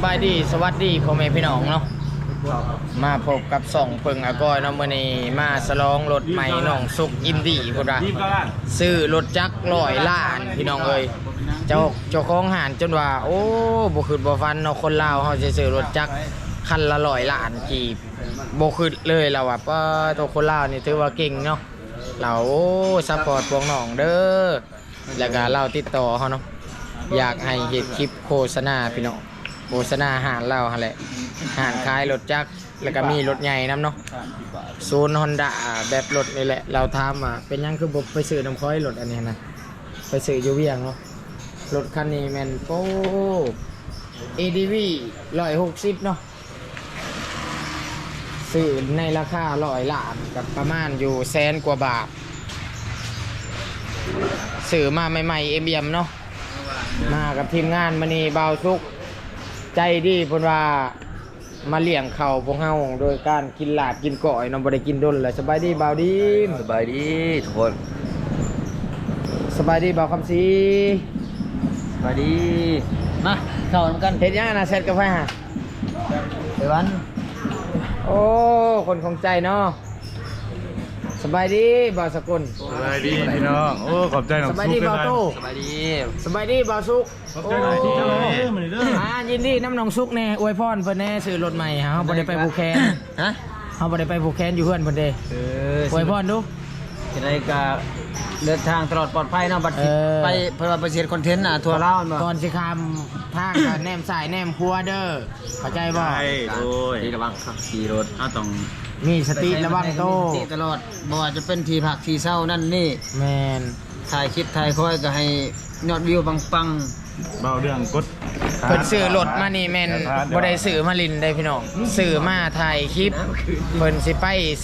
ายดีสวัสดีพ่อแม่พี่น้องเนาะมาพบกับส่องเพิงอากอยเนาะมื้อนี้มาฉลองรถใหม่น้องสุกอินดี้พุ่นว่าซื้อรถจักร100 ล้านพี่น้องเอ้ยเจ้าของห้างจนว่าโอ้บ่คิดบ่ฝันเนาะคนลาวเฮาสิซื้อรถจักรคันละ100 ล้านกีบบ่คิดเลยแล้วว่าป้าตัวคนลาวนี่ถือว่าเก่งเนาะเราโอ้ซัพพอร์ตพวกน้องเด้อแล้วก็เราติดต่อเฮาเนาะอยากให้เฮ็ดคลิปโฆษณาพี่น้องโฆษณาอาหารเราหั่นแหละอาหารขายรถจักรแล้วก็มีรถใหญ่นำเนาะศูนย์ Honda แบบรถนี่แหละเราถามว่าเป็นหยังคือบ่ไปซื้อน้ำค้อยรถอันนี้นะไปซื้ออยู่เวียงเนาะรถคันนี้แม่นโอ้ ADV 160เนาะซื้อในราคา100 ล้านกับประมาณอยู่แสนกว่าบาทซื้อมาใหม่ๆเอ็มเนาะมากับทีมงานมื้อนี้บ่าวสุกใจดีเพิ่นว่ามาเลี้ยงข้าวพวกเฮาโดยการกินลาบกินก้อยเนาะบ่ได้กินดนแล้วสบายดีบ่าวดีสบายดีทุกคนสบายดีบ่าวคำศรีสบายดีมาเข้ากันเฮ็ดหยังน่ะเสร็จกาแฟฮะไปวันโอ้คนของใจเนาะสบายดีบ่าวสกุลสบายดีพี่น้องโอ้ขอบใจหน่อยสบายดีบ่าวตู้สบายดีสบายดีบ่าวสุกขอบใจหน่อยที่เจ้าเรื่องมันเรื่องยินดีน้ำน้องสุกแน่อวยพรเพิ่นแน่ซื้อรถใหม่เฮาบ่ได้ไปภูแคนฮะเฮาบ่ได้ไปภูแคนอยู่เฮือนเพิ่นเด้อวยพรดูจะได้กะเดินทางตลอดปลอดภัยเนาะบัดสิไปเพื่อไปเสียคอนเทนต์น่ะทัวร์ลาวบ่ก่อนสิข้ามทางก็แนมซ้ายแนมขวาเด้อเข้าใจบ่ใช่โอ้ยระวังขับขี่รถต้องมีสติระวังโตสติตลอดบ่ว่าจะเป็นที่พักที่เช่านั่นนี่แม่นถ่ายคลิปถ่ายคอยก็ให้ยอดวิวปังเบาเรื่องกดเพิ่นซื้อรถมานี่แม่นบ่ได้ซื้อมาลินได้พี่น้องซื้อมาถ่ายคลิปเพิ่นสิไป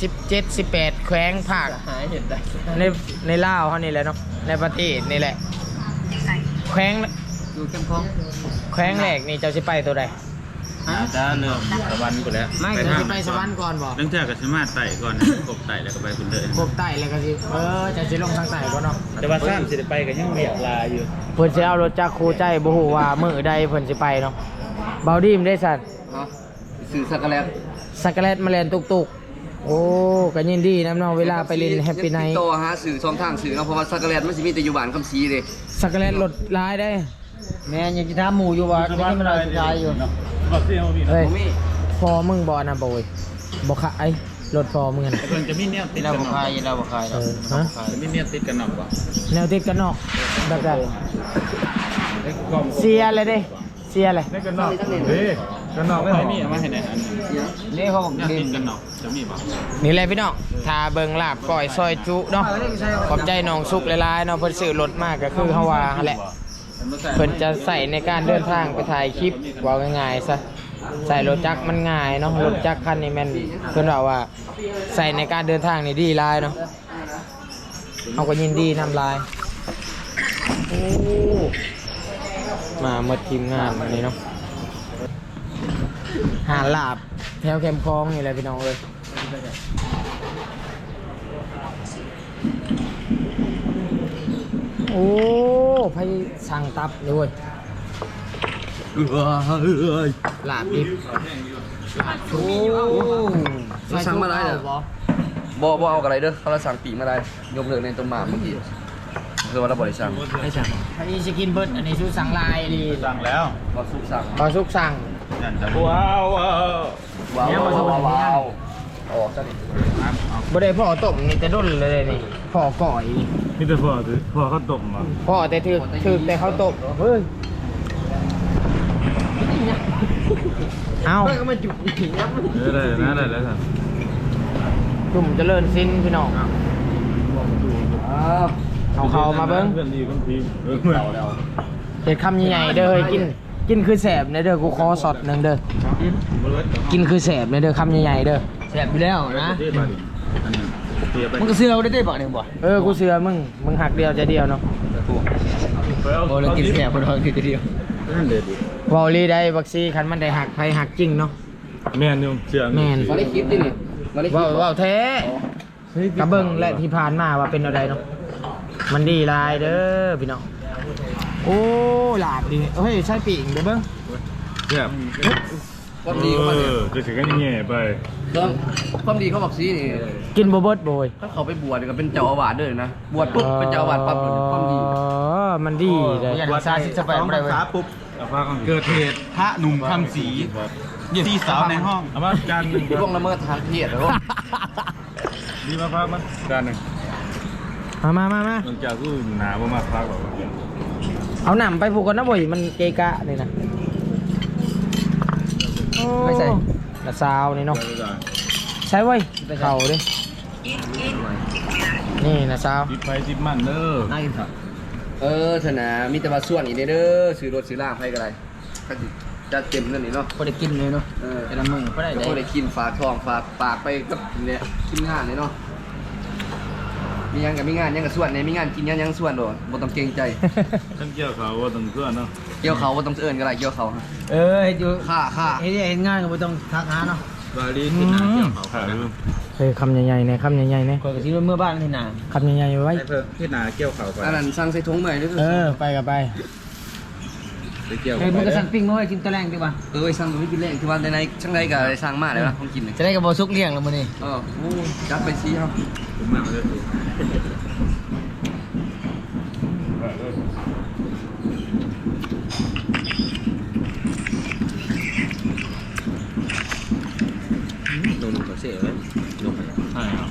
17 18แขวงภาคๆหายเห็นได้ในลาวเฮานี่แหละเนาะในประเทศนี่แหละแขวงอยู่เข้มข้นแขวงแรกนี่เจ้าสิไปตัวใดจะเริ่มสวรรค์กูแล้วเจ้าสิไปสวรรค์ก่อนบ่เรื่องเท่ากับสมาร์ทไต่ก่อนกบไต่แล้วก็ไปคุณเลยพวกใต้แล้วก็สิเจ้าสิลงทางใต้บ่เนาะแต่ว่าซ้ำสิไปกันยังเวียกลาอยู่เพิ่นสิเอารถจักรคู่ใจบ่ฮู้ว่ามื้อใดเพิ่นสิไปเนาะเบาดีมได้สั่นสื่อสักกะแลตสักกะแลตมาแล่นตุกๆโอ้ก็ยินดีนำเนาะเวลาไปเล่นแฮปปี้ไนท์ติดต่อหาสื่อช่องทางสื่อเนาะเพราะว่าสักกะแลตมันสิมีแต่อยู่บ้านคำศรีเด้สักกะแลตรถหลายได้แม่ยังจะถามหมู่อยู่ว่าจะให้มันเอาสุดท้ายอยู่บอกเสียงว่ามีเฮ้ยบ่มีพอมึงบ่นะบ่เว้ยบ่ขายรถพอมึงน่ะแต่คนจะมีเนี่ยติดเรากันบ่หนอขายเราบ่ขายเอเราอฮะจะมีเนี่ยติดกันหนอกป่ะแนวติดกันนอกแบบนั้นเสียเลยเด้เสียเลยได้กันหนอกเฮ้ยกันหนอกไม่มีมาให้ไหนอันนี่เขาบอกเนี่ยดิตินดกันหนอกจะมีป่ะนี่แหละพี่น้องถ้าเบิ่งลาบก้อยซอยจุเนาะขอบใจน้องสุกหลายๆเนาะเพิ่นซื้อรถมากก็คือเฮาว่าหั่นแหละเพิ่นจะใส่ในการเดินทางไปถ่ายคลิปว่าง่ายๆซะใส่รถจักรมันง่ายเนาะรถจักรคันนี้แม่นเพิ่นว่าใส่ในการเดินทางนี่ดีหลายเนาะเฮาก็ยินดีนำลายโอ้มาหมดทีมงานวันนี้เนาะหาลาบแถวแคมป์คลองนี่แหละพี่น้องเอ้ยโอ้ไผสั่งตับนี่เว้ยลาบดิบโอ้เราสั่งมาได้เด้อบ่เอาอะไรเด้อเขาเราสั่งปีกมาได้ยกเลิกในต้นหมากเมื่อกี้คือว่าเราบ่ได้สั่งไม่สั่งอันนี้จะกินเบิร์ดอันนี้ชูสั่งลายดีสั่งแล้วบ่สุกสั่งพอสุกสั่งว้าวว้าวออกซะดิบ่ได้พ่อต้มนี่แต่ด้นเลยนี่พ่อก่อยนี่แต่พอเขาตกมาพ่อแต่ถือแต่เขาต้มเฮ้ยเอาก็มาจุกอีกนะได้แล้วท่านจุ่มเจริญสิ้นพี่น้องเอาเขามาเบิ้งเพื่อนดีกันทีเราแล้วเด็ดคำใหญ่ๆเด้อเฮ้ยกินคือแสบเนเด้อกูขอสดหนึ่งเด้อกินคือแสบเนเด้อคำใหญ่ๆเด้อแซ่บอยู่แล้วนะมันก็ซื้อเราได้บ่เนี่ยบ่กูเสือมึงหักเดียวจะเดียวเนาะโอ้เรากินแซ่บบ่ทองทีเดียวนั่นเด็ดดิวอลลี่ได้บักซี่คันมันได้หักไผหักจริงเนาะแม่นอยู่เชื่อแม่นมาได้คลิปดินี่มาได้คลิปว้าวแท้กระเบิ้งและที่ผ่านมาว่าเป็นอะไรเนาะมันดีหลายเด้อพี่น้องโอ้หลาบดีเฮ้ยใช่ปีกเด้อเบิ้งแซ่บความดีของมันเนี่ยจะถึงกันแง่ไปเรื่องความดีเขาบอกซีนี่กินบ่เบิดโบยถ้าเขาไปบวชก็เป็นเจ้าอาวาสด้วยนะบวชปุ๊บเป็นเจ้าอาวาสปั๊บเลยความดีอ๋อมันดีเลยอย่างซาซิสเปนอะไรเว้ยปุ๊บเอาผ้ากันเกิดเหตุพระหนุ่มคำศรีที่สาวในห้องเอามาจานหนึ่งล่วงละเมิดทางเพศเหรอดีมาพักมั้ยจานหนึ่งมามันจะคือหนาประมาณพักแบบเอาหนำไปผูกกันนะบ่ยมันเกะกะนี่นะไม่ใส่ละซาวนี่เนาะใช้ไว้เข่าดินี่นะซาวจิบไปจิบมันเด้อน่ากินครับธนามีแต่ว่าส่วนอีกเด้อซื้อรถซื้อล่างให้ก็ได้ก็จะเต็มนั่นนี่เนาะพอได้กินเลยเนาะแต่ละมึงก็ได้กินฝากท้องฝากปากไปกับเนี่ยกินงานเลยเนาะมีงานกับมีงานยังกับส่วนเนี่ยมีงานกินยังส่วนโดดบ่ต้องเกรงใจฉันเกี่ยวเขาว่าต้องเพื่อนเนาะเกี่ยวเขาบ่ต้องเอิ้นก็ได้เกี่ยวเขาเฮ็ดอยู่ค่าเฮ็ดงานก็บ่ต้องทักหาเนาะบาลีกินหนาเกี่ยวเขาค่ะเฮ้ยคำใหญ่ๆเนี่ยคำใหญ่ๆเนี่ยข่อยก็สิเมื่อบ้านนี่น่ะคำใหญ่ๆไว้เพิ่มที่หนาเกี่ยวเขาไปอันนั้นสั่งใส่ถุงใหม่ด้วยไปกับไปไปเกี่ยวเฮ้ยมันก็สั่งปิ้งมาไว้กินตะแรงดีกว่าสั่งตัวนี้กินแรงที่ว่าในช่างใดก็ได้สั่งมาแล้วนะของกินเนี่ยจะได้กับบ่สุกเลี้ยงแล้วมื้อนี้โอ้จัดไปซีครับผมมาเลยโดนก็เสียเลยลงไปใช่ครับ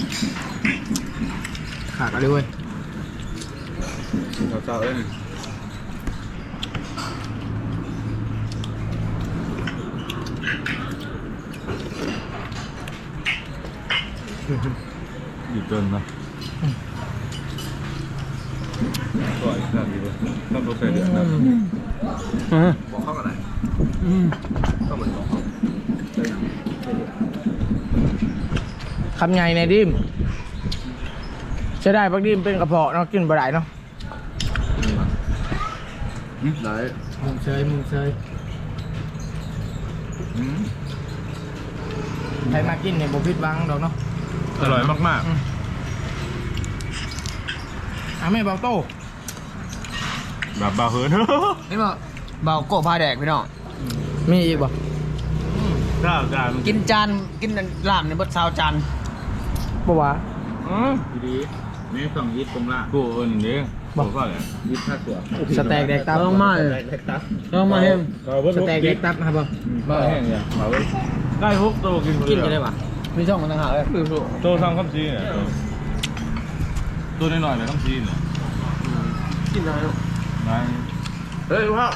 ขาดอะไรเว้ยเขาเศร้าเอง อยู่จนนะก่อนขนาดนี้เลยต้องรถไฟเดือดนะบอกเข้ากันไหนก็เหมือนบอกคำใหญ่ในดิมใช้ได้ปักดิมเป็นกระเพาะเนาะกินบ่ได้เนาะไหนมึงเชยใครมากินเนี่ยบ่ผิดหวังดอกเนาะอร่อยมากแม่เบาโต้ๆแบบบาเหินเห็นบ่เบาโก้พาแดกพี่น้องมีอีกบ่ข้าวจานกินจานกินลาบในเบิด20จานบ่วะดีนี่ต้องยิดตรงล่างกูเอิญนี่บอกว่าอะไรยิดท่าตัวสแต็กแดกตับต้องมาเลยต้องมาเฮ็มสแต็กแดกตับครับบ่บ้าแห้งอย่างเขาได้ฮุกโตกินกินจะได้ปะมีช่องมันต่างหากเลยโตทำข้ามซีเนี่ยตัวน้อยๆเลยข้ามซีเนี่ยกินอะไรลูกนายเฮ้ยว้าว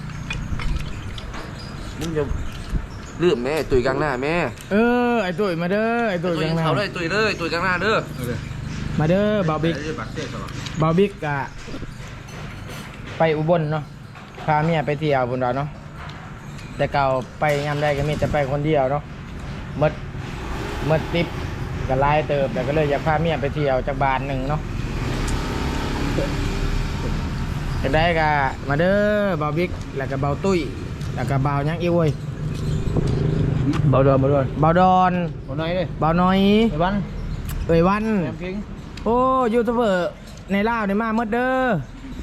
มึงจะลืมแม่ตุยกลางหน้าแม่ไอ้ตุ้ยมาเด้อไอ้ตุ้ยตุยยังไงเขาเลยตุยเลยตุยกลางหน้าเด้อมาเด้อบ่าวบิ๊กบ่าวบิ๊กกะไปอุบลเนาะพาเมียไปเที่ยวบุญดาเนาะแต่เก่าไปยามใดก็มีแต่ไปคนเดียวเนาะเมื่อติปก็ลายเติบแต่ก็เลยอยากพาเมียไปเที่ยวจากบ้านหนึ่งเนาะจะได้กะมาเด้อบ่าวบิ๊กแล้วก็บ่าวตุ้ยแล้วก็บ่าวยังอีเว้ยเบาดอนบ่าวดอนบ่น้อยเลยบ่าวน้อยไอ้วันเอ้ยวันแหนมพิงโอ้ยูทูบเบอร์ในลาวในมาเมื่อเด้อ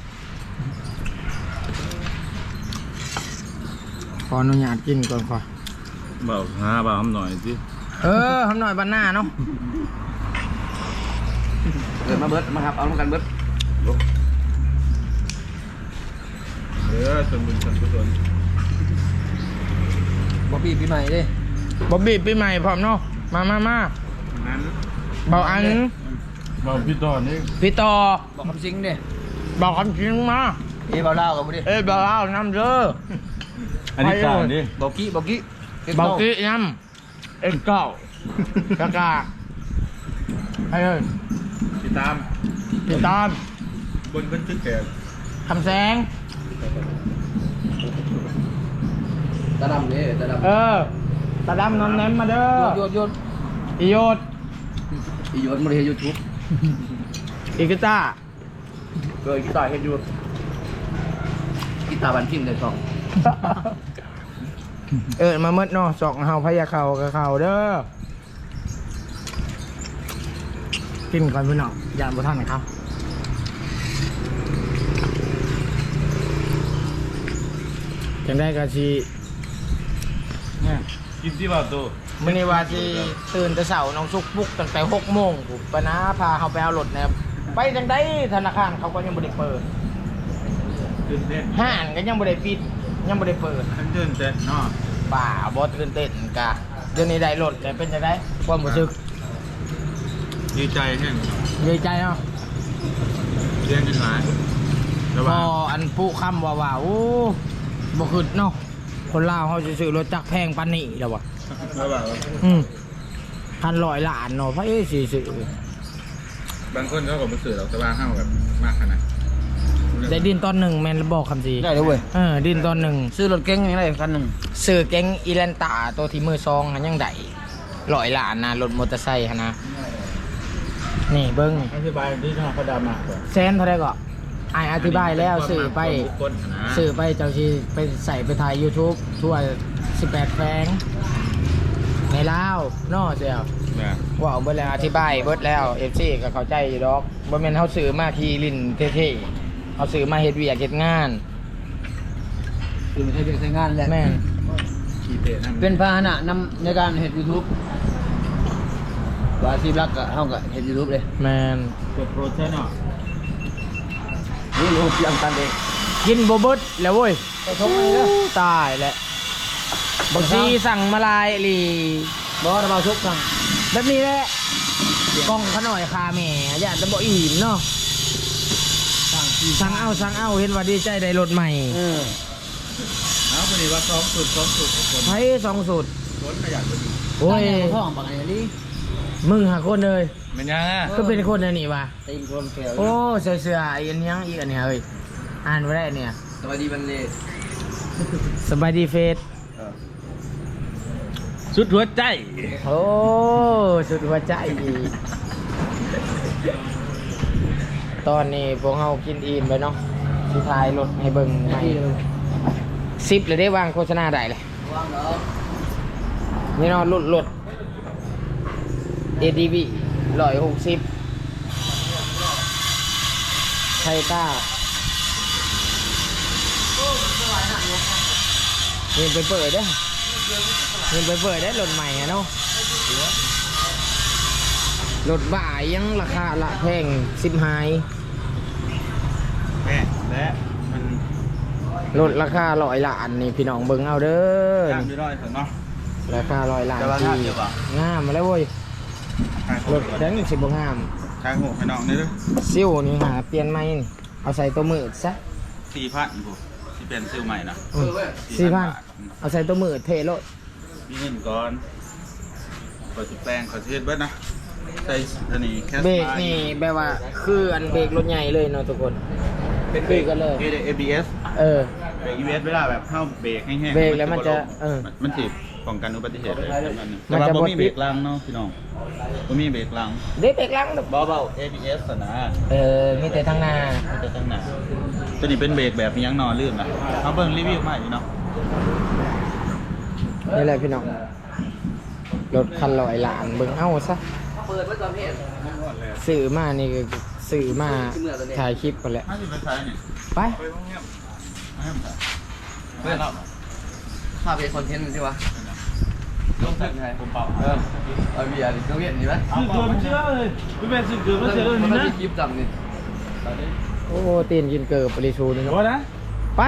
ขออนุญาตกินก่อนขอเบาหาเบาทำหน่อยสิทำหน่อยบ้านหน้าเนาะเกิดมาเบิร์ดมาครับเอาลงกันเบิร์ดจนบุญสันกุศลบ่ปีปีใหม่เด้บ๊อบบี้ปีใหม่พร้อมเนาะมานั้นเบาอันเบาพี่ต่อนี่พี่ต่อบอกคำซิงเด้บอกคำจริงมาเบาลาวกับบ่ดิเอ้ยเบาเอาน้ำเด้ออันนี้จานนี่เบากี้เบากี้น้ำเอ็นเก้ากากาให้เลยติดตามติดตามบนบันทึกแกคำแสงตาดำนี่ตาดำตาดำนอนแนมมาเด้อโยนอีโยดอีโยนมาเรียนยูทูบอีกิต้าเคยกีตาร์เห็นอยู่กีตาร์บันทิมเลยสองมาเมื่อเนาะสองเฮาพยาเขากับเขาเด้อกินก่อนพี่น้องยานบุท่านนะครับจังได้กะชีกินที่บ่าวตัวมื้อนี้ว่าสิตื่นแต่เช้าน้องสุกปลุกตั้งแต่6 โมงปุ๊บปะนะพาเฮาไปเอารถนะครับไปจังได๋ธนาคารเขาก็ยังบ่ได้เปิดตื่นเต้นห้างก็ยังบ่ได้ปิดยังบ่ได้เปิดตื่นเต้นเนาะป่าบ่ตื่นเต้นกะเดี๋ยวนี้ได้รถแต่เป็นจังได๋ความรู้สึกดีใจแห้งดีใจเนาะเรียนกันหลายแต่พว่าออันปุคำว่าโอ้บ่ขึ้นเนาะคนลาวเฮาสิซื้อรถจักรแพงปานนี้แล้ววะแล้วแบบพัน100 ล้านเนาะพระเอ้สิซื้อบางคนเขาก็มาสื่อเราแต่ว่าห้าแบบมากขนาดได้ดินตอนหนึ่งแม่นบอกคำสิได้เลยเว้ยดินตอนหนึ่งซื้อรถเก๋งอย่างไรคันหนึ่งซื้อเก๋งอีแลนตาตัวที่มือซองหันยังได้100 ล้านนะรถมอเตอร์ไซค์หันนะนี่เบิ้งอธิบายที่ทางเขาดามาแซนเท่าไรก็อธิบายแล้วสื่อไปคนนะสื่อไปเจ้าชีไปใส่ไปถ่าย YouTube ทั่ว18แฟงในลาวนอเสียวว่าเบิดแล้วอธิบายเบิดแล้ว FC ก็เข้าใจอยู่ดอกบ่แม่นเฮาซื้อมาขี่ลิ้นเท่ๆเฮาซื้อมาเฮ็ดเวียกเฮ็ดงานคือไม่ใช่เรื่องใช้งานแหละแม่นขี่เตะนั่นเป็นพาหนะนำในการเห็น YouTube ว่าอาชีพหลักก็เฮาก็เห็น YouTube เลยแม่นกดโปรเทนเนาะนี่รู้ยังตันเองกินบ่เบิดแล้วเว้ยไปชมเลยเด้อตายแล้วบางทีสั่งมาลายอีหลีบ่ระบาชุกสั่งแบบนี้แหละกล้องเขาหน่อยคาแม่อย่าจะบ่อิ่มเนาะ สั่งเอาเห็นว่าดีใจได้รถใหม่เอาพอดีว่า2 สุด2 สุดคนไผ2 สูตรคนขยันไปดูโอ้ยท้องปากอะไรนี่มึงหาคนเลยเป็นยังอ่ะก็เป็นคนอันนี้ว่ะตีนคนแก้วโอ้เสืออีกอันยังอีกอันเนี้ยเอ้ยอ่านบ่ได้เนี่ยสวัสดีบันเลสบายดีเฟสสุดหัวใจโอ้สุดหัวใจอีกตอนนี้พวกเฮากินอิ่มไปเนาะสิทายรถให้เบิ่งใหม่10เลยได้วางโฆษณาได้เลยว่างเนาะนี่เนาะรถ ADV 160ไทต้าเงินไปเปิดได้เงินไปเปิดได้รถใหม่อะเนาะรถบ่ายยังราคาละแพง10 หายแม่และมันรถราคา100 ล้านนี่พี่น้องเบิ่งเอาเด้อตามด้วยร้อยเนาะราคา100 ล้านแต่ว่าที่งามอยู่ปะงามมาแล้วเว้ยทางรถแดงสิบ่งามทางหัวให้น้องนี่ด้วยซิวนี่หาเปลี่ยนใหม่นี่เอาใส่ตัวมืดซะ 4,000กูที่เป็นซื้อใหม่นะ 4,000เอาใส่ตัวมืดเทโลดมีเงินก่อนขอสิแปลงขอสิเฮ็ดเบิดนะใส่อันนี้แค่เบรกนี่แบบว่าคืออันเบรกรถใหญ่เลยเนาะทุกคนเป็นเบรกกันเลย ABS เออเบรก ABS เวลาแบบเข้าเบรกแห้งๆเบรกแล้วมันจะมันสิป้องกันอุบัติเหตุเลยมัแต่นว่าจะบ่บ่มีเบรกหลังเนาะพี่น้องบ่มีเบรกหลังเด็กเบรกหลังเบาๆ ABS อะนะมีแต่ทางหน้ามันจะตั้งหนาตัวนี้เป็นเบรกแบบมียังนอนลื่นนะเขาเบิ่งรีวิวมาอยู่เนาะนี่แหละพี่น้องรถคัน100 ล้านเบิ่งเอาซะเปิดไว้ตอนเพศซื้อมานี่ก็ซื้อมาถ่ายคลิปกันแหละถ้าสิไปใช้นี่ไปไปห้องเงียบให้มันเพื่อนเราภาพเป็นคอนเทนต์ใช่ปะลงจากผมเป่าเอาเบียร์ดิเครื่องเวียนนี่ไหมซื้อเกินมันเชื่อเลยพี่แม่ซื้อเกินมันเชื่อเลยมันนี่ไม่นะมีคลิปจำนี่โอ้ตีนกินเกิบปริชูนี่เดี๋ยวเนาะนะไป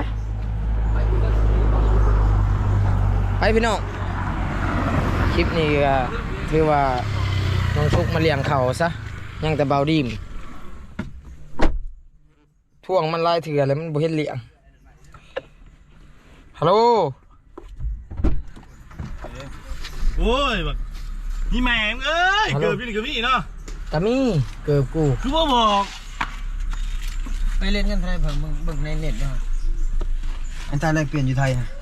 ไปพี่น้องคลิปนี้ก็ถือว่าน้องชุกมาเลี้ยงเขาซะยังแต่เบาดีมท่วงมันลายเถื่อแล้วมันบ่เห็นเลี้ยงฮัลโหลโอ้ยแบบนี่แม่งเอ้ย เกิดพี่นี่เกิดพี่เนาะกะมี่เกิบกูคือว่าบอกไปเล่นกันไทยเพิ่งเบิ่งในเน็ตเนาะอันตรายแลกเปลี่ยนอยู่ไทยฮะ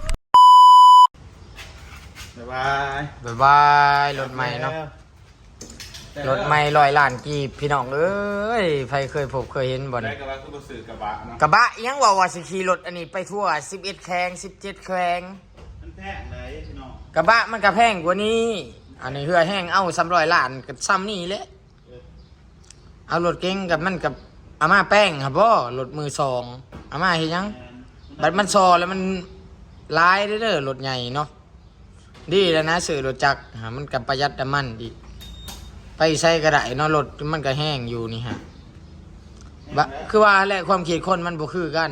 บ๊ายบายบ๊ายบายรถใหม่เนาะรถใหม่100 ล้านกีบพี่น้องเอ้ยใครเคยพบเคยเห็นบ่ได้นี่กับว่าคือบ่ซื้อกระบะเนาะกระบะอิหยังว่าสิขี่รถอันนี้ไปทั่ว11แข้ง17แข้งมันแพงเลยพี่น้องกระบะมันก็แพงกว่านี้ อันนี้เหือแห้งเอา300 ล้านก็ซ้ำนี่แหละเอารถเก๋งกับมันกับอาม่าแป้งครับบ่รถมือสองอาม่าเฮ็ดหยังบัดมันซอแล้วมันลายเด้อรถใหญ่เนาะดีแล้วนะซื้อรถจักรหามันกับประหยัดน้ำมันอีกไปใช้ก็ได้เนาะรถมันก็แห้งอยู่นี่ฮะบะคือว่าแหละความคิดคนมันบ่คือกัน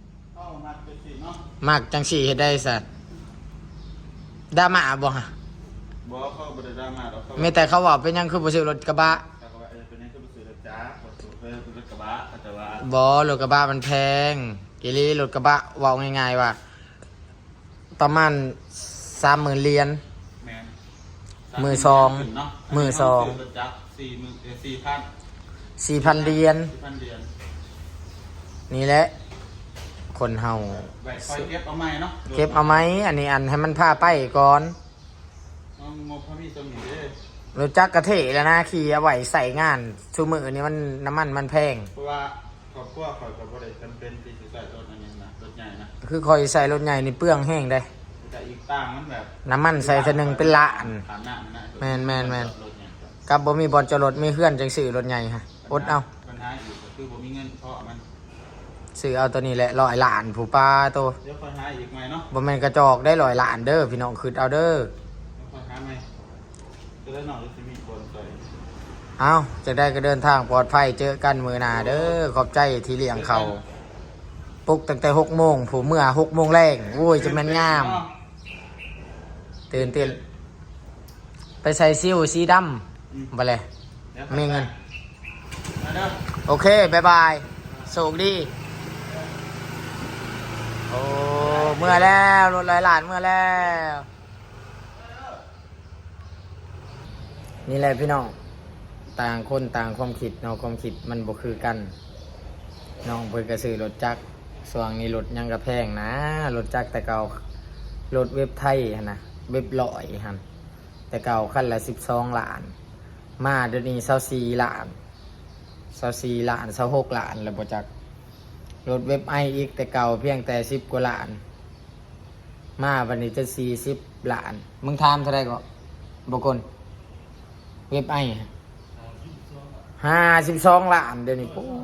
มากจังสี่เฮ็ดได้สัตว์ดราม่าบ่ฮะบ่เข้าบ่ได้ดราม่าดอกเขามีแต่เขาว่าเป็นหยังคือบ่ซื้อรถกระบะแต่ว่าเป็นยังคือบ่ซื้อรถจ้าบ่ซื้อรถกระบะแต่ว่าบ่รถกระบะมันแพงอีหลีรถกระบะเว้าง่ายๆว่าประมาณ 30,000 เหรียญแม่นมือสอง มือสองรถจักร4,000 4,000 เหรียญ 4,000เหรียญนี่แหละคนเฮาไว้คอยเก็บเอาใหม่เนาะเก็บเอาไหมอันนี้อันให้มันพาไปก่อนเอางบพระมีตรงนี้เด้อรถจักรกระเทะแล้วนะขี่เอาไว้ใส่งานชูมือนี่มันน้ำมันมันแพงเพราะว่าครอบครัวข่อยก็บ่ได้จำเป็นที่สิใส่รถอันนี้นะรถใหญ่นะคือคอยใส่รถใหญ่นี่เปลืองแห้งได้แต่อีกต่างมันแบบน้ำมันใส่เทอหนึงเป็นล้านฐานะมันนะแม่นรถใหญ่ก็กับบ่มีบอลจอดรถมีเพื่อนจังซื้อรถใหญ่ฮะอดเอาปัญหาอยู่ก็คือบ่มีเงินเพราะมันซื้อเอาตัวนี้แหละ100 ล้านผู้ป้าโตเดี๋ยวค่อยหาอีกใหม่เนาะบ่แม่นกระจอกได้100 ล้านเด้อพี่น้องคืดเอาเด้อเดี๋ยวค่อยหาใหม่จะได้หน่อยจะมีคนใส่เอาจะได้ก็เดินทางปลอดภัยเจอกันมื้อหน้าเด้อขอบใจที่เลี้ยงเขาปลุกตั้งแต่6 โมงผู้เมื่อ6 โมงแรงโอ้ยจะแม่นงามตื่นเต้นไปใส่ซิ่วสีดำบ่เลยมีเงินมาเด้อโอเคบายบายโชคดีโอ้เมื่อแล้วรถ100 ล้านเมื่อแล้วนี่แหละพี่น้องต่างคนต่างความคิดเนาะความคิดมันบ่คือกันน้องเพิ่นก็ซื้อรถจักรส่วนนี้รถยังกระแพงนะรถจักรแต่เก่ารถเว็บไทยหั่นนะเว็บลอยหั่นแต่เก่าคันละ12 ล้าน มาเดี๋ยวนี้24 ล้าน24 ล้าน26 ล้านแล้วบ่จักรถเว็บไออีกแต่เก่าเพียงแต่10 กว่าล้าน มาวันนี้จะ40 ล้านมึงถามเท่าไหร่ก็บ่คนเว็บไอ52 ล้านเดี๋ยวนี้ปุ๊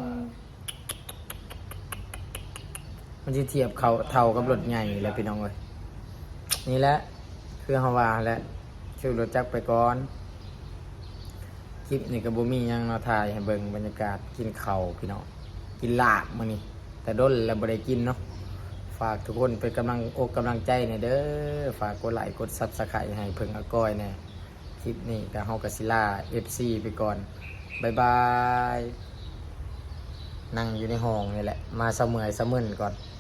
มันจะเทียบเขาเท่ากับรถใหญ่แล้วพี่น้องเอ้ยนี่แหละคือเฮาว่าแหละชื่อรถจักรไปก่อนคลิปนี่ก็บ่มีหยังเนาะถ่ายให้เบิ่งบรรยากาศกินข้าวพี่น้องกินลาบมื้อนี้แต่ด้นแล้วบ่ได้กินเนาะฝากทุกคนเป็นกำลังอกกำลังใจหน่อยเด้อฝากกดไลค์กด Subscribe ให้เพิ่งอาก้อยแน่คลิปนี้ก็เฮาก็สิลา FC ไปก่อนบ๊ายบายนั่งอยู่ในห้องนี่แหละมาเสมอยเสมึนก่อน